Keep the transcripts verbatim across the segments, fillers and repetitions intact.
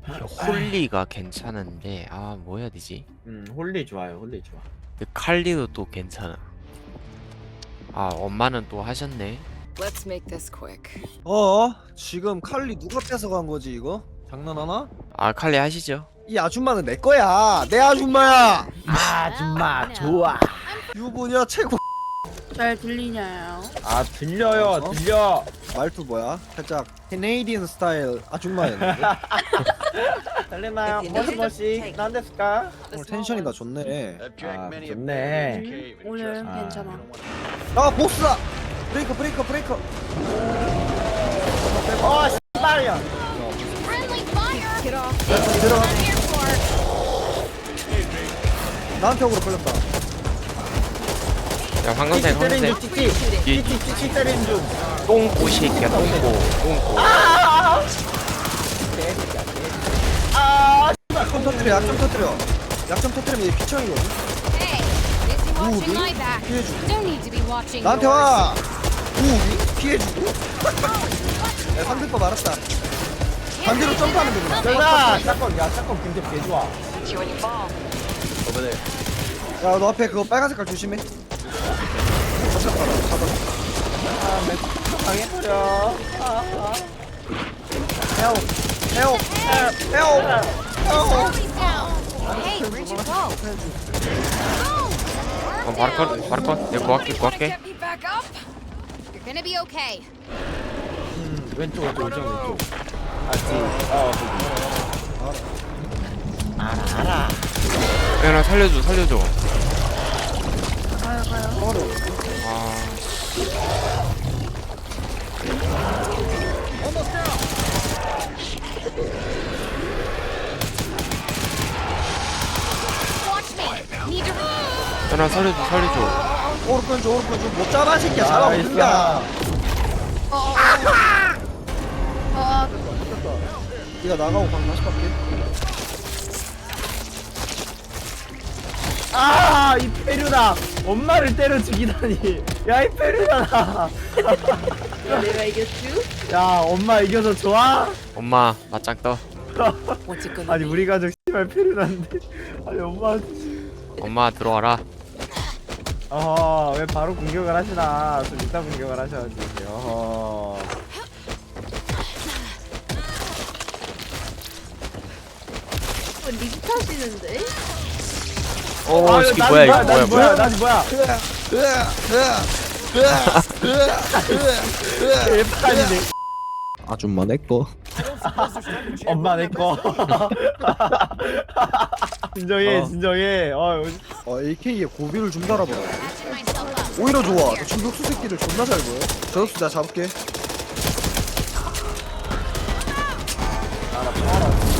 홀리가 괜찮은데 아 뭐 해야 되지? 음 홀리 좋아요. 홀리 좋아. 근데 칼리도 또 괜찮아. 아 엄마는 또 하셨네. Let's make this quick. 어? 지금 칼리 누가 뺏어간 거지 이거? 장난하나? 아 칼리 하시죠. 이 아줌마는 내 거야. 내 아줌마야. 아줌마 좋아. 유부녀 최고. 잘 들리냐요? 아 들려요. 어? 들려. 말투 뭐야? 살짝 캐네이디언 스타일 아줌마였는데. 들리나요? If you 머시 need 머시. it, take 난데스까? 오늘 텐션이 다 좋네. 아 좋네. 오늘 아. 괜찮아. 아 보스다. 브레이커 브레이커 브레이커. 어 씨발이야. Friendly fire! Get off. 들어. I'm here for it. 나한테 억으로 걸렸다. 야 황금색 찌찌 때리는 황금색 중 찌찌. 뒤- 찌찌 찌찌 때리는 중. 똥꼬 새끼야 똥꼬 똥꼬. 아 약점 터뜨려 약점 터뜨려. 약점 터뜨리면 얘 피청이거든. Hey, busy Ooh, watching dude. my back. 피해주고. Don't need to be watching 나한테 yours. 와. 우 피해주고. 야 상대 거 말았다. 반대로 점프하면 되구나. 내가 샷건 야 샷건 근데 개 좋아. 야 너 앞에 그거 빨간 색깔 조심해. 잡았다 잡았다. 아 맥 당해버려. 헤어 헤어 헤어 헤어. Always down. Hey, where'd you go? 어 바로 컷 바로 컷. 내가 구할게 Wanna 구할게. get me back up? You're gonna be okay. 음 왼쪽 왼쪽 왼쪽 왼쪽. 아지. 어. 알아 알아. 야나 살려줘 살려줘. 가요 가요. 아 Watch me. Need to. 야나 살려줘 살려줘. 오른편 줘 오른편 줘못 잡아 새끼야 잡아 나이스. 못는다. 아, 네가 나가고 방 다시 갈게. 아, 이 페류다. 엄마를 때려 죽이다니. 야, 이 페류다. 내가 이겼쥬? 야, 엄마 이겨서 좋아? 엄마 맞짱 떠. What's it gonna 아니, 우리 가족 씨발 페류다는데. 아니, 엄마. 엄마 들어와라. 어허, 왜 바로 공격을 하시나? 좀 이따 공격을 하셔야지. 어허. 어, 립 타시는데? 오 아, 저기 나지 뭐야 이거 나지 뭐야 뭐야. 나지 뭐야? 개판이네. 아줌마 내꺼. 엄마 내 거. 진정해, 어. 진정해. 어, 어 에이케이에 고비를 좀 달아봐. patching myself up? 오히려 좋아. 너 저격수 새끼들 존나 잘 보여. 저격수 내가 잡을게. 알아, 알아.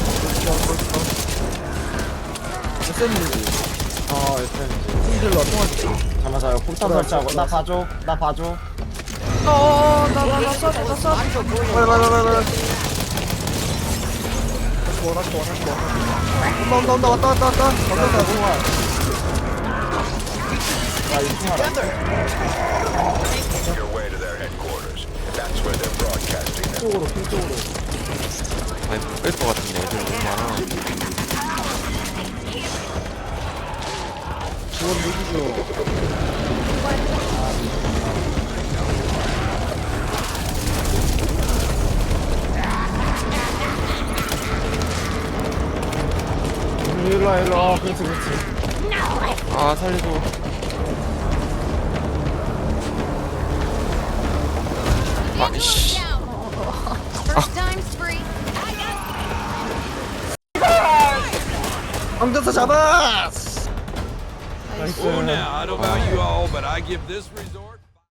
에스엠이지. 어, 일단 힘들러 통화. 잠깐만, 잠깐만. 폭탄 설치하고. 나 봐줘, 나 봐줘. 어나나나 쏴, 나 쏴. 빨리 빨리 빨리 빨리. 다시 와 다시 와 다시 와. 온다 온다 온다 왔다 왔다 왔다. 왔다 왔다. 아, 이 총알아. your way to their headquarters. That's where they're broadcasting them. 쪽으로, 핑 쪽으로. 아니 못뺄것 같은데 애들 너무 많아. 지원 무기죠. 일로 와, 일로 와. 그렇지, 그렇지. 아 살려줘. 아이씨. Down. First time's free. 황전사 잡아. 나이스. Oh, now, I don't know about you all, but I give this resort